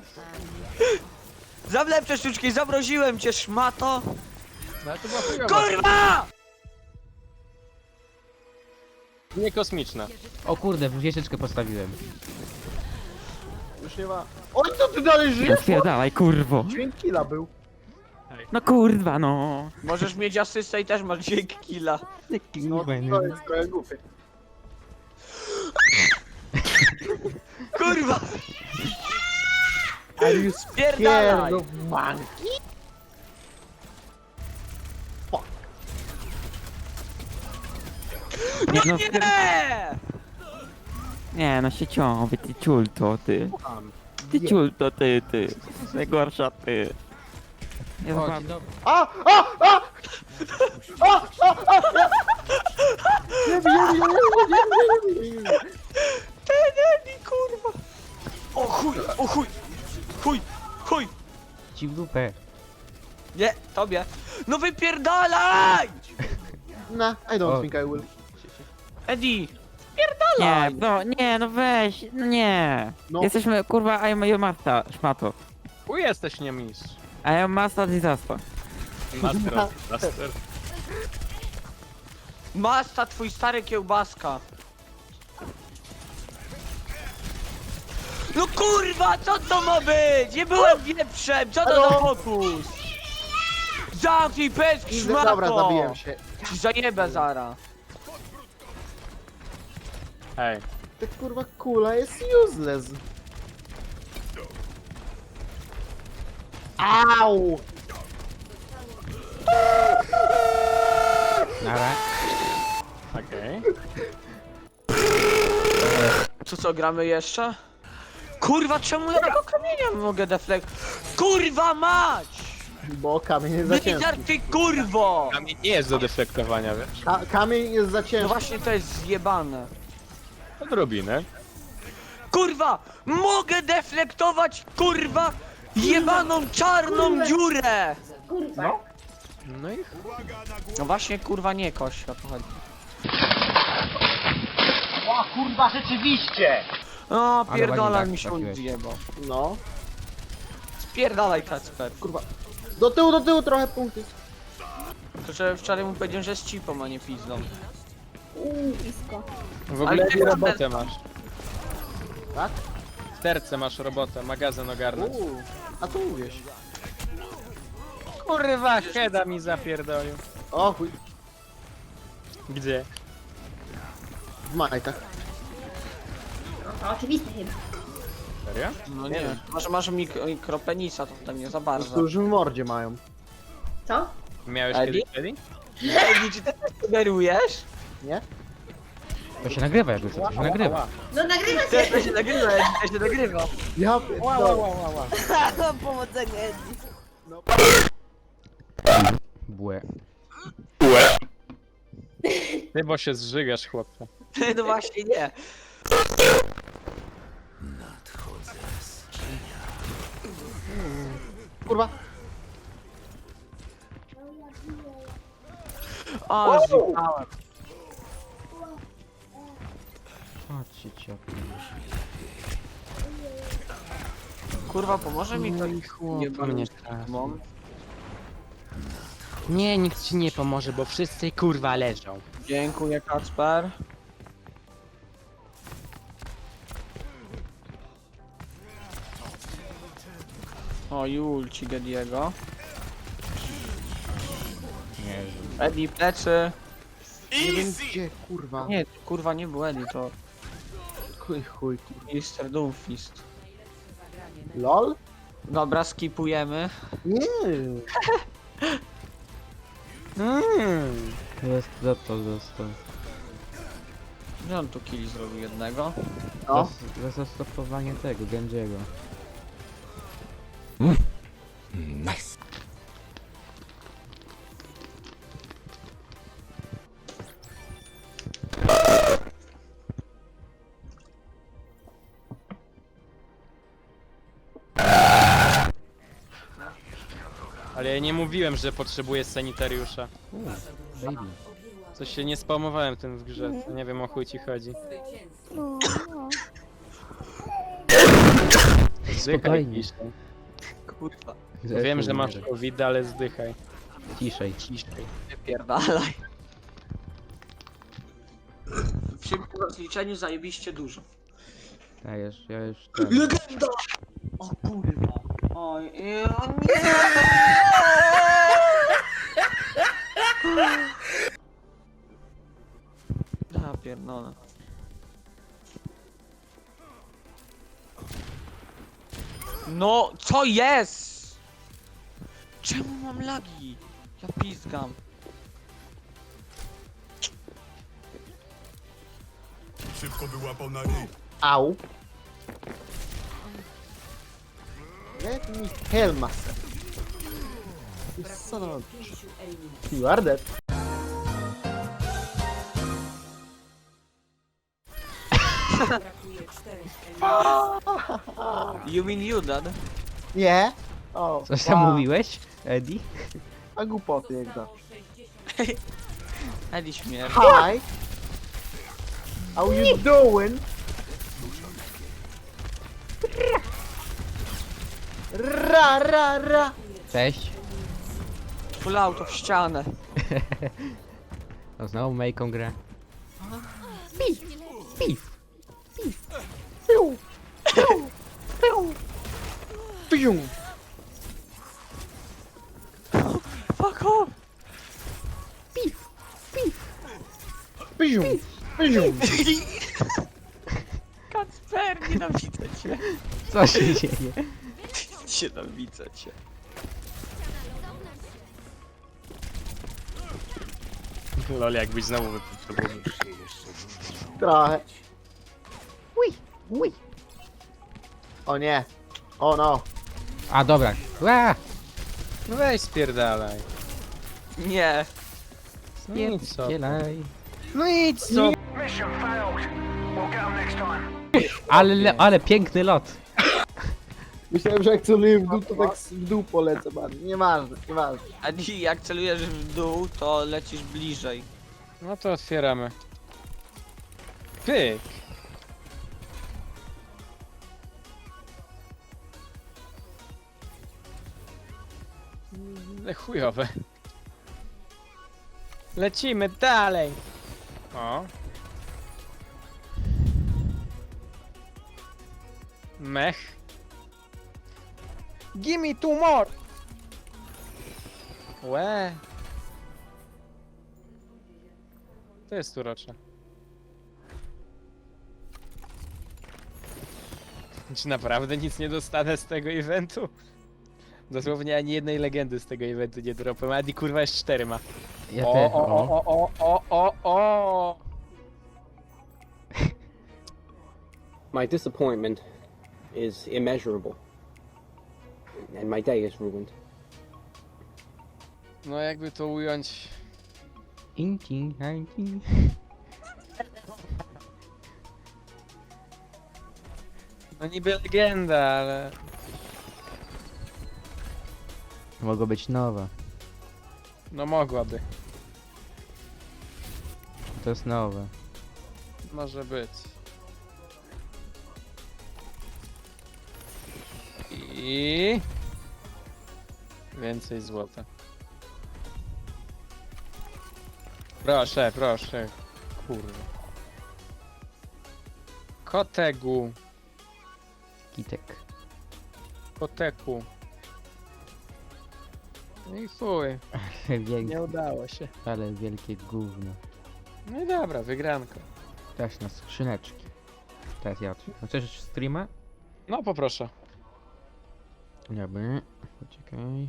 Zawlepcze sztuczki, zamroziłem cię, szmato! No ale to była chujowa. KURWA! Nie kosmiczna. O kurde, wieżyczkę postawiłem. Już nie ma... Oj, co ty dalej No żyjesz? spierdalaj, kurwo. Dźwięk killa był. No kurwa, no. Możesz mieć asystę i też masz dźwięk killa. No to jest trochę głupie. Kurwa! Are you Spierdalaj! scared of monkey? Nie, no, Nie! nie, no sieciowy, ty ciulto, ty. Ty ciulto, ty. Najgorsza, ty. Ja O, wam... dzień dobry. A! A! A! Nie wiem, Tenemi, kurwa! O chuj, o chuj! Chuj, chuj! Ci w dupę. Nie, tobie! No wypierdalaj! No, I don't O. think I will. Eddie! Nie, Spierdalaj! no, nie, no weź, no nie. No. Jesteśmy, kurwa, I'm your master, szmato. U jesteś nie mistrz. I am master disaster. Master of Disaster. Masta, twój stary kiełbaska! No kurwa, co to ma być? Nie byłem wieprzem, co to za Halo? fokus? Zamknij pysk, szmato! Dobra, zabiłem się. Ci zajebę zara. Hej. Ta kurwa kula jest useless. Au! Nara. Okej. To co, gramy jeszcze? Kurwa, czemu ja tego kamienia mogę deflekt? Kurwa mać! Bo kamień jest za ciężki. Blizzard, ty kurwo! Kamień nie jest do deflektowania, wiesz? Kamień jest za No ciężki. właśnie to jest zjebane. Odrobinę. Kurwa! Mogę deflektować, kurwa, jebaną czarną dziurę! No i No właśnie, kurwa, nie kość, o to chodzi. O kurwa, rzeczywiście! O, Ale pierdolaj ładnie mi się tak odjebał. No. Spierdalaj, Kacper. Kurwa. Do tyłu trochę punkty. To że wczoraj mu powiedziałem, że jest cipą, a nie pizdą. Blisko. w ogóle Ale ty jaką tam- robotę masz. Tak? W terce masz robotę, magazyn ogarnąć. A co mówisz? Kurwa, Heda mi zapierdolił. O chuj. Gdzie? W majtach. To oczywiste chyba. Serio? No nie, masz mikropenisa, to tam nie za bardzo. Już w mordzie mają. Co? Miałeś Eddie? kiedyś Eddie? Ej, czy ty też sugerujesz? Nie? To się nagrywa jakby co, to się nagrywa. No nagrywa To się! się nagrywa, to się nagrywa. Ja pierdolę. Pomocę Eddie. Błe. Ty, bo się zżygasz, chłopcze. No właśnie nie. Kurwa. O, zjebałem. Chodźcie cię. Kurwa, pomoże mi to? Nie mnie mam. Nie, nikt ci nie pomoże, bo wszyscy kurwa leżą. Dziękuję, Kacper. O, Julci Gediego. Nie, Eddie, plecy. Nie wiem gdzie, kurwa. Nie, kurwa, nie był Eddie, to Chuj, kurwa. Mr. Doomfist. LOL? Dobra, skipujemy. Nie. Został. Gdzie on tu killi zrobił jednego? No. Zastopowanie tego, Genjiego. Ale ja nie mówiłem, że potrzebuję sanitariusza. Baby. Coś się nie spamowałem tym w grze, to nie wiem o chuj ci chodzi. Zdychaj, spokojnie. ciszej. Kurwa, Wiem, że masz COVID, ale zdychaj. Ciszej. Ciszej. wypierdalaj. W szybkim rozliczeniu zajebiście dużo. Ja już ten... Legenda! O kurwa. Oj, o nie! Ja pierdolę. No, co jest? Czemu mam lagi? Ja pizgam. Szybko wyłapał na ryj. Au. Let me heal myself. You son of a... You are dead. You mean you, dad? Nie? O, Coś tam wow. mówiłeś, Eddie? A głupoty jak zawsze. Eli śmierć. Hi! How you doing? Ra, ra, ra! Cześć. Full auto w ścianę. No znowu Mejką grę. Piu! Piu! Piu! Piu! Fuck off! Piu! Piu! Kacper, nienawidzę cię. Co się dzieje? Nienawidzę cię. Lol, jakbyś znowu wypotrzebował. Trochę. Ui! Ui! O nie! O no! A dobra. Ła! No weź spierdalaj. Nie. No i co? Dzielaj. No idź co? Ale piękny lot. Myślałem, że jak celuję w dół, to tak w dół polecę bardzo. Nieważne, nieważne. A dzisiaj jak celujesz w dół, to lecisz bliżej. No to otwieramy. Pyk. Chujowe. Lecimy dalej. O. Mech. Gimme two more. Łe. To jest urocze. Czy naprawdę nic nie dostanę z tego eventu? Dosłownie ani jednej legendy z tego eventu nie dropłem. Adi kurwa jest 4 ma. Ja O, też. o, o, o, o, o, o. My disappointment is immeasurable, and my day is ruined. No jakby to ująć. Inci. No niby legenda, ale... Mogło być nowe. No mogłaby. To jest nowe. Może być. I... Więcej złota. Proszę, proszę. Kurwa. Kotegu. Kitek. Koteku. No i chuj. Wielkie, Nie udało się. ale wielkie gówno. No i dobra, wygranko. Też na skrzyneczki. Teraz ja otwieram. Chcesz streama? No poproszę. Dobra. Poczekaj.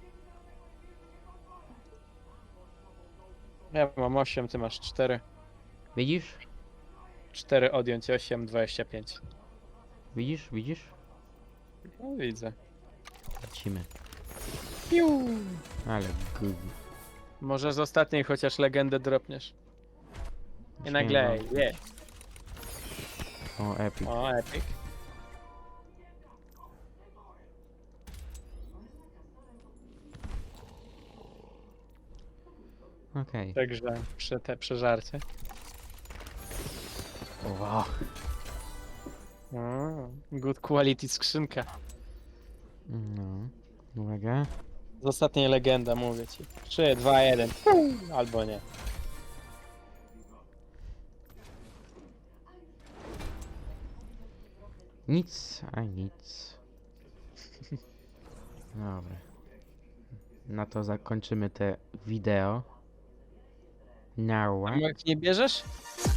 Ja mam 8, ty masz 4. Widzisz? 4 odjąć 8, 25. Widzisz? Widzisz? No widzę. Lecimy. Piu. Ale gówno. Może z ostatniej chociaż legendę dropniesz. I nagle, je. O, epic. O, epic. Okej. Także te przeżarcie. Wow. Good quality skrzynka. No. Uwaga. Z ostatniej legenda, mówię ci. 3, 2, 1. Albo nie. Nic, a nic. Dobra. Na to zakończymy te wideo. Now. A jak nie bierzesz?